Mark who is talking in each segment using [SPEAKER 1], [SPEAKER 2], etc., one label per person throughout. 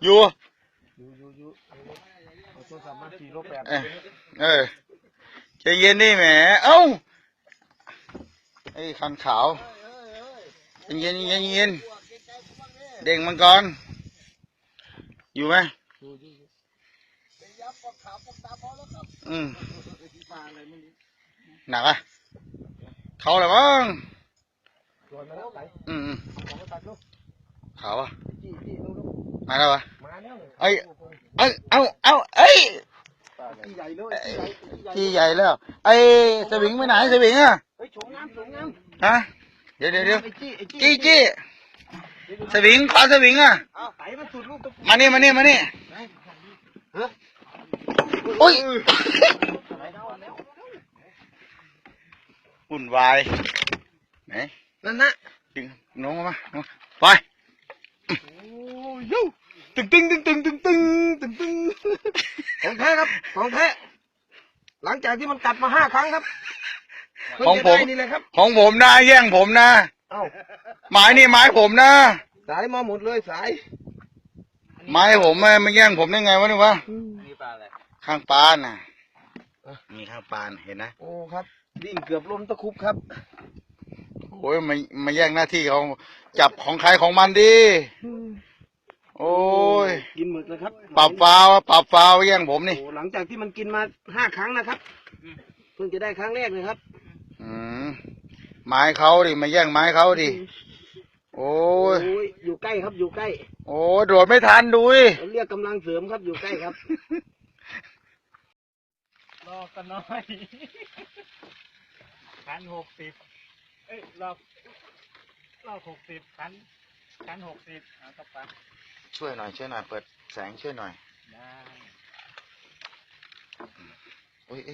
[SPEAKER 1] อยู่
[SPEAKER 2] เอาโทรศัพท์มา4-8
[SPEAKER 1] ใจเย็นนี่แหมเอ้าไอ้คันขาวเย็นเด้งมังกรอยู่ไหมหนักอ่ะเขาอะไรบ้างขาวอ่ะมาแล้ววะเอ้ยที่ใหญ่แล้วไอ้สวิงไปไหนสวิงอ่ะฮะเดี๋ยวจี้สวิงขวาสวิงอ่ะมานี่อุ้ยวุ่นวายไหนนั่นนะดึงน้องมาไปตึง
[SPEAKER 2] ของแท้ครับของแท้หลังจากที่มันกัดมา5 ครั้งครับ
[SPEAKER 1] ของผม
[SPEAKER 2] นี่เลยครับ
[SPEAKER 1] ของผมนะแย่งผมนะไม้นี่ไม้ผมนะ
[SPEAKER 2] สายมาหมดเลยสาย
[SPEAKER 1] ไม้ผมไม่แย่งผมได้ไงวะนี่วะ
[SPEAKER 3] นี่ปลาอะไร
[SPEAKER 1] ข้างปานน่ะมีข้างปานเห็นนะ
[SPEAKER 2] โอ้ครับวิ่งเกือบล้มตะคุบครับ
[SPEAKER 1] โอ้ยมาแย่งหน้าที่ของจับของใครของมันดิโอ้ย
[SPEAKER 2] กินหมึกเลยครับ
[SPEAKER 1] ปรับฟาวแย่งผมนี่
[SPEAKER 2] หลังจากที่มันกินมา5 ครั้งนะครับเพิ่งจะได้ครั้งแรกเลยครับ
[SPEAKER 1] ไม้เขาดิมาแย่งไม้เขาดิโอ้ย
[SPEAKER 2] อยู่ใกล้ครับอยู่ใกล้
[SPEAKER 1] โอ้โดดไม่ทันดูดิ
[SPEAKER 2] เรียกกำลังเสริมครับอยู่ใกล้ครับ
[SPEAKER 3] รอกันน้อยคัน60รอบ60คัน60เอาต่อไป
[SPEAKER 1] ช่วยหน่อยเปิดแสงช่วยหน่อย
[SPEAKER 3] ได้
[SPEAKER 1] โอ้ย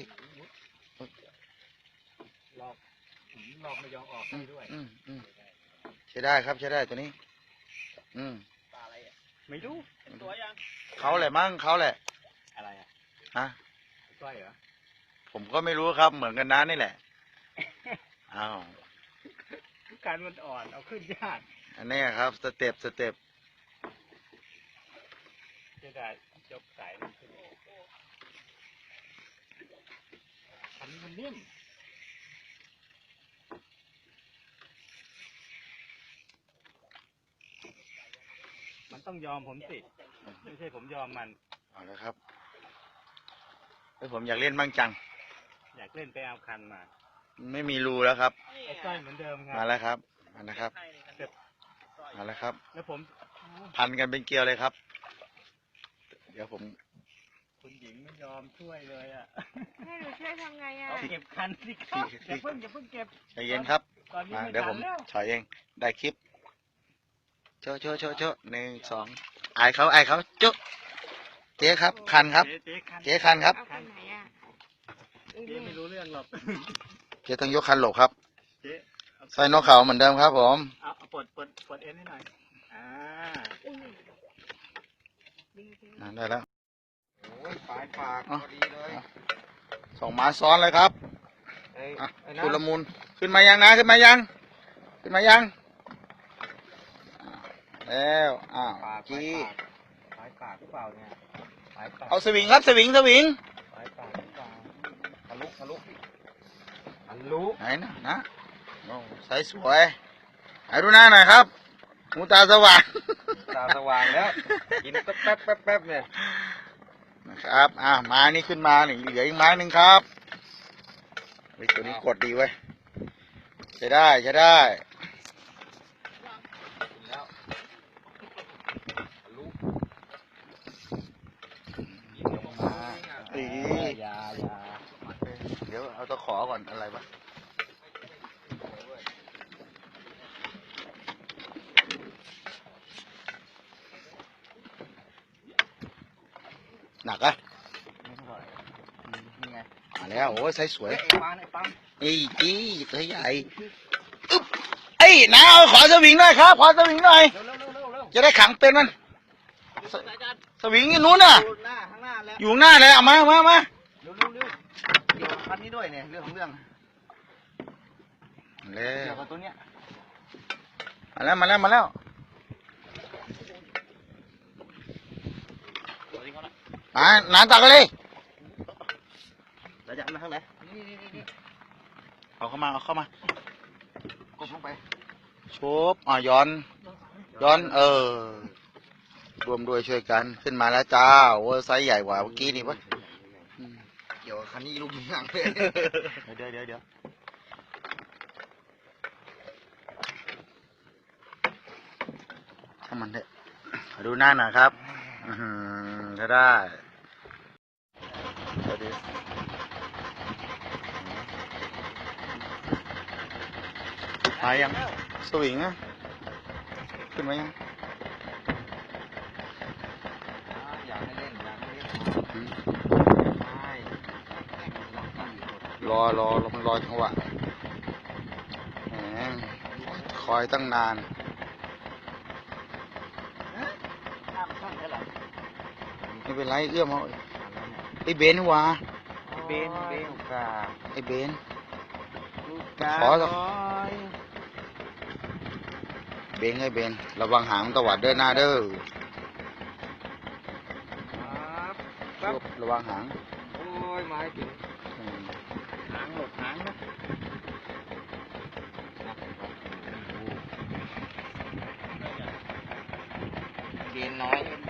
[SPEAKER 3] รอบไม่ยอมออกด้วย
[SPEAKER 1] ใช้ได้ครับใช้ได้ตัวนี้
[SPEAKER 3] ปลาอะไรอ่ะไม่รู้เป็นตัวยัง
[SPEAKER 1] เขาแหละมั้งเขาแหละ
[SPEAKER 3] อะไรอ่ะ
[SPEAKER 1] ฮะ
[SPEAKER 3] ก้อยเหรอ
[SPEAKER 1] ผมก็ไม่รู้ครับเหมือนกันนะนี่แหละอ้าว
[SPEAKER 3] การมันอ่อนเอาขึ้นยาก
[SPEAKER 1] อันนี้ครับสเต็ป
[SPEAKER 3] จะได้ยกสายมันขึ้นอันนี้มันนิ่มมันต้องยอมผมสิไม่ใช่ผมยอมมัน
[SPEAKER 1] เอาละครับผมอยากเล่นบ้างจัง
[SPEAKER 3] อยากเล่นไปเอาคันมา
[SPEAKER 1] ไม่มีรูแล้วครับ
[SPEAKER 3] ไอ้ก้อยเหมือนเดิมครับ
[SPEAKER 1] มาแล้วครับมาแล้วครับ
[SPEAKER 3] แล้วผม
[SPEAKER 1] พันกันเป็นเกลียวเลยครับเดี๋ยวผม
[SPEAKER 3] คุณหญิงไม่ยอมช่วยเลยอ่ะ
[SPEAKER 4] ให้หนูช่วยทำไงอ่ะ
[SPEAKER 3] เก็บคันสิครับอย่าเพิ่งเก็บ
[SPEAKER 1] ใจเย็นครับมาเดี๋ยวผมถอยเองได้คลิปโชว์1 2อายเขาจุ๊เจ๊ครับคันครับเจ๊คันครับ
[SPEAKER 3] เจ๊ไม่รู้เรื่องหรอก
[SPEAKER 1] เจ๊ต้องยกคันหลบครับใส่นกเขาเหมือนเดิมครับผม
[SPEAKER 3] เอาปลดเอ็นให้หน่อย
[SPEAKER 1] ได้แล้ว
[SPEAKER 2] ปากพอดีเลย
[SPEAKER 1] 2 หมาซ้อนเลยครับชุลมุนขึ้นมายังแล้วจี้
[SPEAKER 3] ปากหรือเปล่าเนี่ย
[SPEAKER 1] เอาสวิงครับสวิง
[SPEAKER 3] ปากหรือเปล่าทะลุ
[SPEAKER 1] ไหนนะใส่สวยให้ดูหน้าหน่อยครับหูตาสว่าง
[SPEAKER 2] แล้วกินแป๊บเนี่ย
[SPEAKER 1] นะครับไม้นี้ขึ้นมาเหลืออีกไม้หนึ่งครับตัวนี้กดดีเว้ยใช้ได้เดี๋ยวเอาตะขอก่อนอะไรวะหนักอะ
[SPEAKER 3] นี่ไง
[SPEAKER 1] มาแล้วโอ้ยใส่สวย
[SPEAKER 3] จี้
[SPEAKER 1] ตัวใหญ่น้าเอาขอสวิงหน่อยครับจะได้ขังเป็นมันสวิงอยู่นู้นน่ะอยู่หน้าเลยเอามา
[SPEAKER 3] เร็วคันนี้ด้วยเนี่ยเรื่องของเรื่อง
[SPEAKER 1] เร็ว
[SPEAKER 3] กับตัวเนี้ย
[SPEAKER 1] มาแล้วน้ำตักกันเลย
[SPEAKER 2] ระยะมาทางไหน
[SPEAKER 1] เอาเข้ามาเอาเข้ามาก
[SPEAKER 2] ดลงไป
[SPEAKER 1] ชุบย้อนรวมด้วยช่วยกันขึ้นมาแล้วจ้าโอ้ไซส์ใหญ่กว่าเมื่อกี้นี่ปะ
[SPEAKER 2] เกี่ยวกับคันนี้ลูกยิงหนังเลย
[SPEAKER 1] เดี๋ยวถ้ามันเถอะดูหน้าหน่อยครับถ้าได้หายยังสวิงอะขึ้นไหมยัง
[SPEAKER 2] อยากให้เล่นอยากให้เล่นใช่
[SPEAKER 1] รอมันรอจังหวะแหมคอยตั้งนาน
[SPEAKER 2] น้ำสั้นเท่าไหร่
[SPEAKER 1] ไม่เป็นไรเอื้อมเอาไอ้เบนนี่หวะ
[SPEAKER 2] เบนกา
[SPEAKER 1] ไอ้เบน
[SPEAKER 2] กา
[SPEAKER 1] ขอสัก เบนไอ้เบนระวังหางตวัดเด้อหน้าเด้อ
[SPEAKER 2] ครับ
[SPEAKER 1] ระวังหาง
[SPEAKER 2] โอ้ยไม้ถึง
[SPEAKER 1] อืม
[SPEAKER 2] หางหมดหางนะเบนน้อย